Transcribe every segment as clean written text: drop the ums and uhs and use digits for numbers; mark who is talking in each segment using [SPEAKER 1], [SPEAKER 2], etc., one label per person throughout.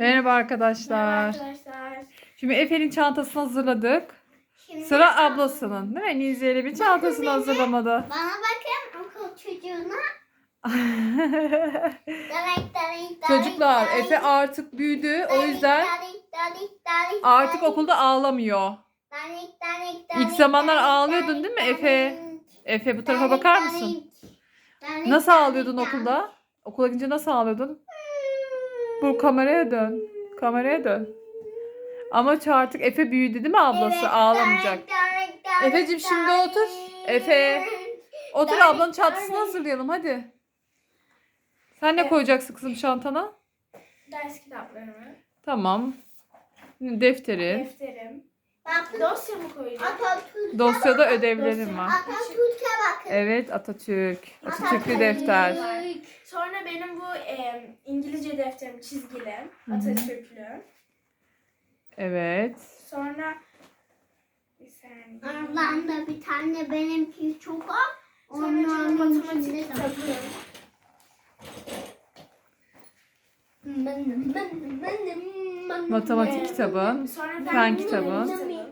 [SPEAKER 1] Merhaba arkadaşlar.
[SPEAKER 2] Arkadaşlar.
[SPEAKER 1] Şimdi Efe'nin çantasını hazırladık.
[SPEAKER 2] Şimdi
[SPEAKER 1] Sıra ablasının, değil mi? Niziye'yle bir çantasını hazırlamadı.
[SPEAKER 2] bana bakın okul çocuğuna.
[SPEAKER 1] Çocuklar, Efe artık büyüdü. O yüzden artık okulda ağlamıyor. İlk zamanlar ağlıyordun değil mi Efe? Efe bu tarafa bakar mısın? Nasıl ağlıyordun okulda? Okula gidince nasıl ağlıyordun? Bu kameraya dön. Kameraya dön. Ama artık Efe büyüdü değil mi ablası? Ağlamayacak. Efe'cim şimdi otur. Efe. Otur, ablanın çantasını hazırlayalım hadi. Sen ne koyacaksın kızım çantana?
[SPEAKER 2] Ders kitaplarımı,
[SPEAKER 1] Tamam. Defterin.
[SPEAKER 2] defterim, dosya mı koyacağım?
[SPEAKER 1] Dosyada ödevlerim var.
[SPEAKER 2] Atatürk'e bakın.
[SPEAKER 1] Evet, Atatürk. Atatürklü defter.
[SPEAKER 2] Sonra benim bu İngilizce defterim çizgili, Atatürklü.
[SPEAKER 1] Evet.
[SPEAKER 2] Sonra bir saniye.
[SPEAKER 3] Aralarında bir tane benimki çok az.
[SPEAKER 2] Sonra
[SPEAKER 3] Onların
[SPEAKER 2] matematik
[SPEAKER 3] içinde de.
[SPEAKER 2] kitabı.
[SPEAKER 1] Matematik kitabın.
[SPEAKER 2] Sonra
[SPEAKER 1] Fen kitabı.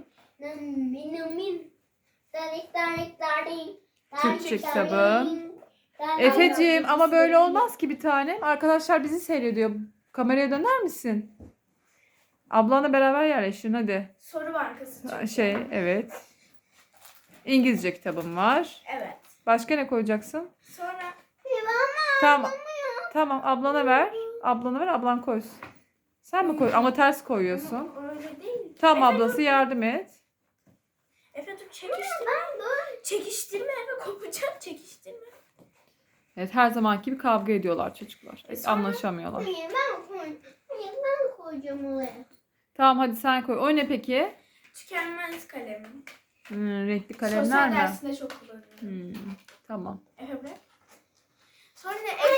[SPEAKER 1] Türkçe kitabı. Efe'cim ama böyle olmaz ki bir tanem. Arkadaşlar bizi seyrediyor. Kameraya döner misin? Ablanla beraber yerleşin hadi.
[SPEAKER 2] Soru bankası çıktı.
[SPEAKER 1] Evet. İngilizce kitabım var.
[SPEAKER 2] Evet.
[SPEAKER 1] Başka ne koyacaksın?
[SPEAKER 2] Sonra
[SPEAKER 1] Tamam. Tamam, ablana ver. Ablana ver, ablan koysun. Sen mi koy? Ama ters koyuyorsun.
[SPEAKER 2] öyle değil.
[SPEAKER 1] Tamam ablası yardım et.
[SPEAKER 2] Efe dur çekiştirme. Çekiştirme Efe kopacak çekiştirme.
[SPEAKER 1] Evet, her zamanki gibi kavga ediyorlar çocuklar.
[SPEAKER 2] Sonra-
[SPEAKER 1] Anlaşamıyorlar.
[SPEAKER 3] Ben koyacağım oraya.
[SPEAKER 1] Tamam hadi sen koy. O ne peki?
[SPEAKER 2] Tükenmez kalemim.
[SPEAKER 1] Renkli kalemler
[SPEAKER 2] Sosyal
[SPEAKER 1] mi?
[SPEAKER 2] dersinde çok kullanıyorum.
[SPEAKER 1] Tamam.
[SPEAKER 2] Efe bırak. Sonra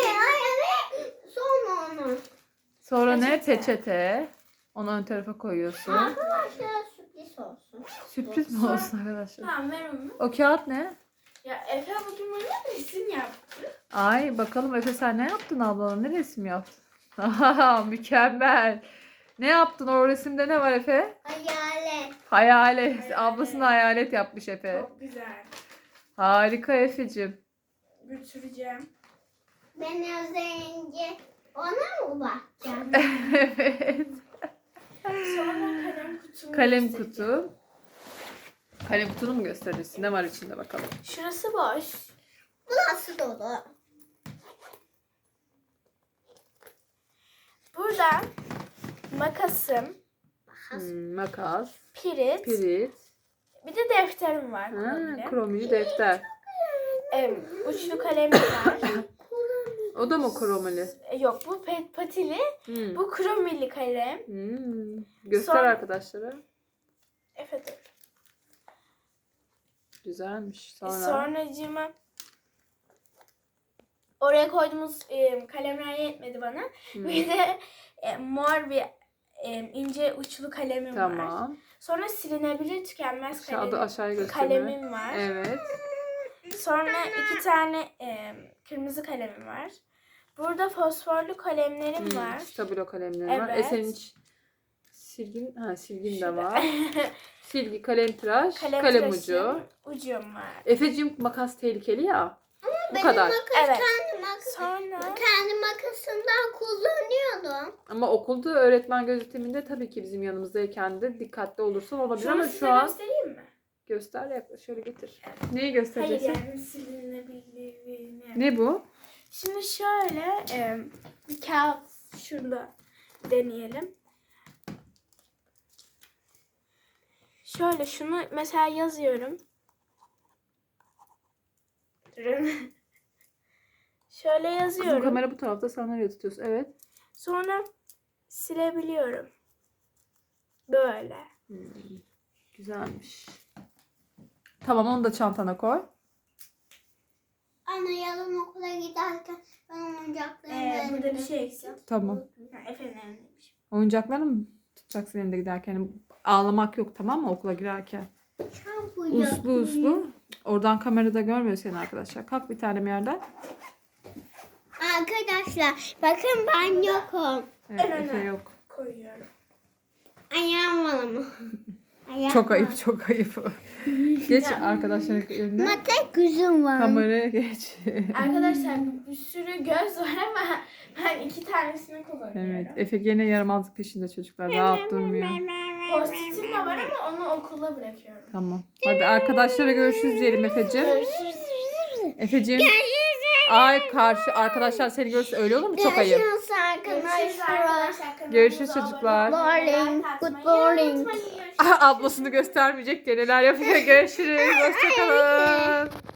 [SPEAKER 3] Sonra onu.
[SPEAKER 1] Sonra ne?
[SPEAKER 2] Peçete.
[SPEAKER 1] Peçete. Onu ön tarafa koyuyorsun.
[SPEAKER 3] Arkadaşlar sürpriz olsun.
[SPEAKER 1] Sürpriz mi olsun arkadaşlar?
[SPEAKER 2] Tamam ver onu.
[SPEAKER 1] O kağıt ne?
[SPEAKER 2] Ya Efe bugün bana resim yaptı.
[SPEAKER 1] Ay bakalım Efe sen ne yaptın ablana? Ne resim yaptın? Aha, mükemmel. Ne yaptın? O resimde ne var Efe?
[SPEAKER 3] Hayalet.
[SPEAKER 1] Hayalet.
[SPEAKER 2] Hayalet.
[SPEAKER 1] Ablasına hayalet yapmış Efe.
[SPEAKER 2] Çok güzel.
[SPEAKER 1] Harika Efe'cim.
[SPEAKER 2] Götüreceğim.
[SPEAKER 3] Ben az önce ona mı bakacağım?
[SPEAKER 1] Evet.
[SPEAKER 2] Sonra kalem kutumu
[SPEAKER 1] Kalem
[SPEAKER 2] göstereceğim.
[SPEAKER 1] kutu. Kalem kutunu mu gösterirsin? Ne var içinde bakalım.
[SPEAKER 2] Şurası boş.
[SPEAKER 3] Burası dolu.
[SPEAKER 2] Burada makasım,
[SPEAKER 1] Makas,
[SPEAKER 2] pirit,
[SPEAKER 1] pirit,
[SPEAKER 2] bir de defterim var.
[SPEAKER 1] ha,
[SPEAKER 2] kromili.
[SPEAKER 1] kromili defter.
[SPEAKER 2] Uçlu kalemim var.
[SPEAKER 1] O da mı kromili?
[SPEAKER 2] Yok bu patili,
[SPEAKER 1] Hmm.
[SPEAKER 2] bu kromili kalem.
[SPEAKER 1] Göster
[SPEAKER 2] Sonra-
[SPEAKER 1] arkadaşlara.
[SPEAKER 2] Efe dur.
[SPEAKER 1] Güzelmiş. Sonra.
[SPEAKER 2] Sonracığıma oraya koyduğumuz kalemler yetmedi bana. Bir de mor bir ince uçlu kalemim var.
[SPEAKER 1] Tamam.
[SPEAKER 2] Sonra silinebilir tükenmez
[SPEAKER 1] Aşağıya göster.
[SPEAKER 2] kalemim var.
[SPEAKER 1] Evet.
[SPEAKER 2] Sonra 2 tane kırmızı kalemim var. Burada fosforlu kalemlerim var.
[SPEAKER 1] Stabilo kalemleri var.
[SPEAKER 2] Evet.
[SPEAKER 1] Senin hiç silgin de
[SPEAKER 2] Şurada.
[SPEAKER 1] var. Silgi, kalem tıraş, kalem
[SPEAKER 2] tıraşım,
[SPEAKER 1] ucu.
[SPEAKER 2] ucum var.
[SPEAKER 1] Efe'cim makas tehlikeli ya. Bu
[SPEAKER 3] Benim
[SPEAKER 1] kadar.
[SPEAKER 2] Evet.
[SPEAKER 3] Sonra
[SPEAKER 2] Sonra
[SPEAKER 3] kendi makasımdan kullanıyordum.
[SPEAKER 1] Ama okulda öğretmen gözetiminde tabii ki bizim yanımızdayken de dikkatli olursan olabilir ama
[SPEAKER 2] şunu size
[SPEAKER 1] şu an
[SPEAKER 2] göstereyim mi?
[SPEAKER 1] göster yaklaş şöyle getir. Neyi
[SPEAKER 2] Hayır
[SPEAKER 1] göstereceksin?
[SPEAKER 2] yani silinebildiğini.
[SPEAKER 1] Ne bu?
[SPEAKER 2] Şimdi şöyle bir kağıt şurada deneyelim. Şöyle şunu mesela yazıyorum. Şöyle
[SPEAKER 1] Kızım
[SPEAKER 2] yazıyorum.
[SPEAKER 1] kamera bu tarafta, sen nereye tutuyorsun? Evet.
[SPEAKER 2] Sonra silebiliyorum. Böyle.
[SPEAKER 1] Güzelmiş. Tamam, onu da çantana koy.
[SPEAKER 3] Anne yarın okula giderken ben oyuncaklarımı
[SPEAKER 2] Burada bir şey eksik.
[SPEAKER 1] Tamam.
[SPEAKER 2] Efendim elindeymiş.
[SPEAKER 1] Oyuncaklarını mı tutacaksın elinde giderken? Yani ağlamak yok, tamam mı, okula girerken? Uslu uslu. Oradan kamerada görmüyor seni arkadaşlar. Kalk bir tane yerden.
[SPEAKER 3] Arkadaşlar bakın ben yokum.
[SPEAKER 1] Evet,
[SPEAKER 2] En
[SPEAKER 1] Efe
[SPEAKER 2] öne.
[SPEAKER 1] yok.
[SPEAKER 2] Koy.
[SPEAKER 3] Ayağım var ama. Ayağım
[SPEAKER 1] Çok
[SPEAKER 3] var.
[SPEAKER 1] ayıp, çok ayıp. Geç arkadaşların önüne.
[SPEAKER 3] Mata kızım var.
[SPEAKER 1] Kameraya geç.
[SPEAKER 2] Arkadaşlar bir sürü göz var ama ben 2 tanesini kullanıyorum.
[SPEAKER 1] Evet, Efe gene yaramazlık peşinde çocuklar. Rahat durmuyor.
[SPEAKER 2] Post-it'im de var ama onu okula bırakıyorum.
[SPEAKER 1] Tamam. Hadi arkadaşlara görüşürüz diyelim Efe'cim.
[SPEAKER 2] Görüşürüz.
[SPEAKER 1] Efe'cim. Ay karşı arkadaşlar seni görürse öyle olur mu? Çok ayıp.
[SPEAKER 3] Görüşürüz
[SPEAKER 2] Görüşürüz
[SPEAKER 3] arkadaşlar.
[SPEAKER 2] arkadaşlar.
[SPEAKER 1] Görüşürüz
[SPEAKER 2] Kanalımıza
[SPEAKER 1] çocuklar.
[SPEAKER 2] abone olmayı,
[SPEAKER 3] Morning,
[SPEAKER 2] like atmayı
[SPEAKER 3] good morning.
[SPEAKER 2] unutmayın. Görüşürüz.
[SPEAKER 1] Ablasını göstermeyecek diye neler yapıyor. Görüşürüz. Hoşçakalın.